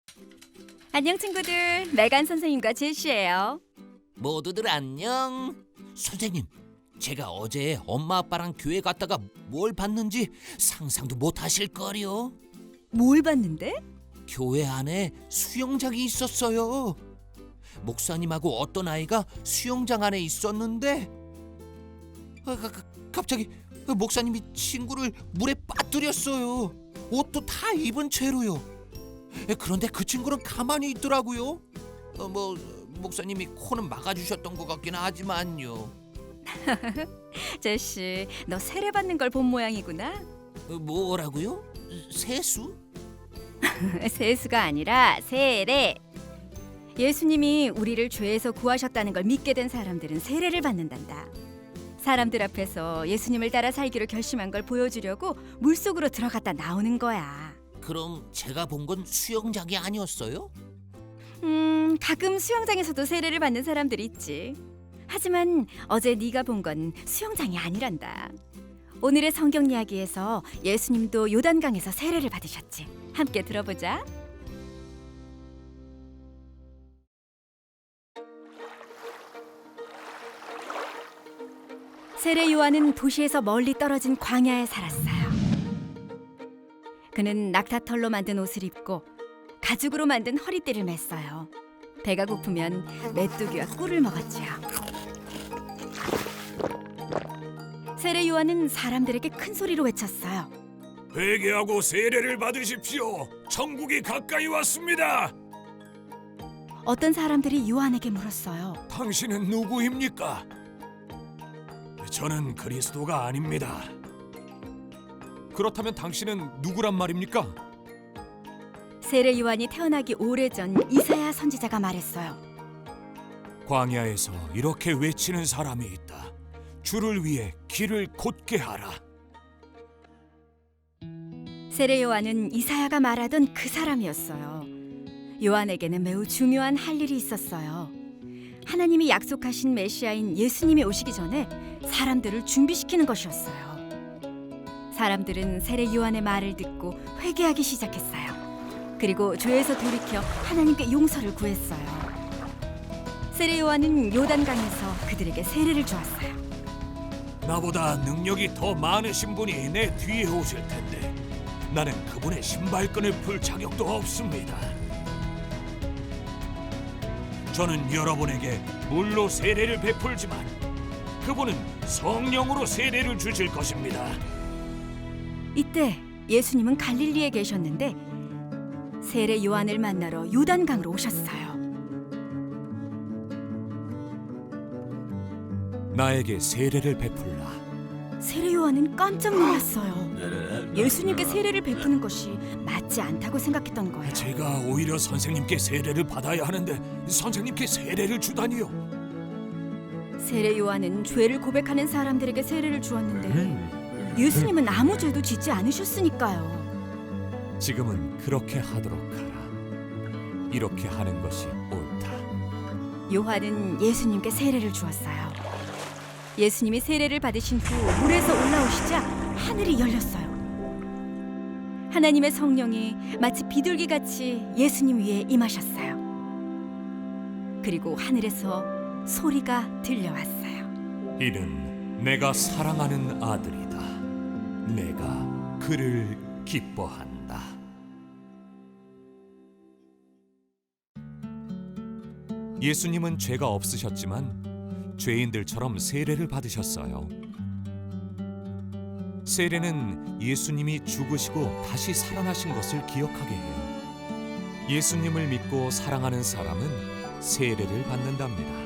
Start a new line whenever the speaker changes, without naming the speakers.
안녕 친구들, 메간 선생님과 제시예요.
모두들 안녕. 선생님, 제가 어제 엄마 아빠랑 교회 갔다가 뭘 봤는지 상상도 못 하실 거요.
뭘 봤는데?
교회 안에 수영장이 있었어요. 목사님하고 어떤 아이가 수영장 안에 있었는데 갑자기 목사님이 친구를 물에 빠뜨렸어요. 옷도 다 입은 채로요. 그런데 그 친구는 가만히 있더라고요. 목사님이 코는 막아주셨던 것 같긴 하지만요.
제시, 너 세례받는 걸 본 모양이구나.
뭐라고요? 세수?
세수가 아니라 세례. 예수님이 우리를 죄에서 구하셨다는 걸 믿게 된 사람들은 세례를 받는단다. 사람들 앞에서 예수님을 따라 살기로 결심한 걸 보여주려고 물속으로 들어갔다 나오는 거야.
그럼 제가 본 건 수영장이 아니었어요?
가끔 수영장에서도 세례를 받는 사람들이 있지. 하지만 어제 네가 본 건 수영장이 아니란다. 오늘의 성경 이야기에서 예수님도 요단강에서 세례를 받으셨지. 함께 들어보자. 세례 요한은 도시에서 멀리 떨어진 광야에 살았어요. 그는 낙타털로 만든 옷을 입고 가죽으로 만든 허리띠를 맸어요. 배가 고프면 메뚜기와 꿀을 먹었지요. 세례 요한은 사람들에게 큰 소리로 외쳤어요.
회개하고 세례를 받으십시오. 천국이 가까이 왔습니다.
어떤 사람들이 요한에게 물었어요.
당신은 누구입니까? 저는 그리스도가 아닙니다. 그렇다면 당신은 누구란 말입니까?
세례 요한이 태어나기 오래전 이사야 선지자가 말했어요.
광야에서 이렇게 외치는 사람이 있다. 주를 위해 길을 곧게 하라.
세례 요한은 이사야가 말하던 그 사람이었어요. 요한에게는 매우 중요한 할 일이 있었어요. 하나님이 약속하신 메시아인 예수님이 오시기 전에 사람들을 준비시키는 것이었어요. 사람들은 세례 요한의 말을 듣고 회개하기 시작했어요. 그리고 죄에서 돌이켜 하나님께 용서를 구했어요. 세례 요한은 요단강에서 그들에게 세례를 주었어요.
나보다 능력이 더 많으신 분이 내 뒤에 오실 텐데 나는 그분의 신발끈을 풀 자격도 없습니다. 저는 여러분에게 물로 세례를 베풀지만 그분은 성령으로 세례를 주실 것입니다.
이때 예수님은 갈릴리에 계셨는데 세례 요한을 만나러 요단강으로 오셨어요.
나에게 세례를 베풀라.
세례 요한은 깜짝 놀랐어요. 예수님께 세례를 베푸는 것이 맞지 않다고 생각했던 거예요.
제가 오히려 선생님께 세례를 받아야 하는데 선생님께 세례를 주다니요.
세례 요한은 죄를 고백하는 사람들에게 세례를 주었는데 예수님은 아무 죄도 짓지 않으셨으니까요.
지금은 그렇게 하도록 하라. 이렇게 하는 것이 옳다.
요한은 예수님께 세례를 주었어요. 예수님이 세례를 받으신 후 물에서 올라오시자 하늘이 열렸어요. 하나님의 성령이 마치 비둘기같이 예수님 위에 임하셨어요. 그리고 하늘에서 소리가 들려왔어요.
이는 내가 사랑하는 아들이다. 내가 그를 기뻐한다. 예수님은 죄가 없으셨지만 죄인들처럼 세례를 받으셨어요. 세례는 예수님이 죽으시고 다시 살아나신 것을 기억하게 해요. 예수님을 믿고 사랑하는 사람은 세례를 받는답니다.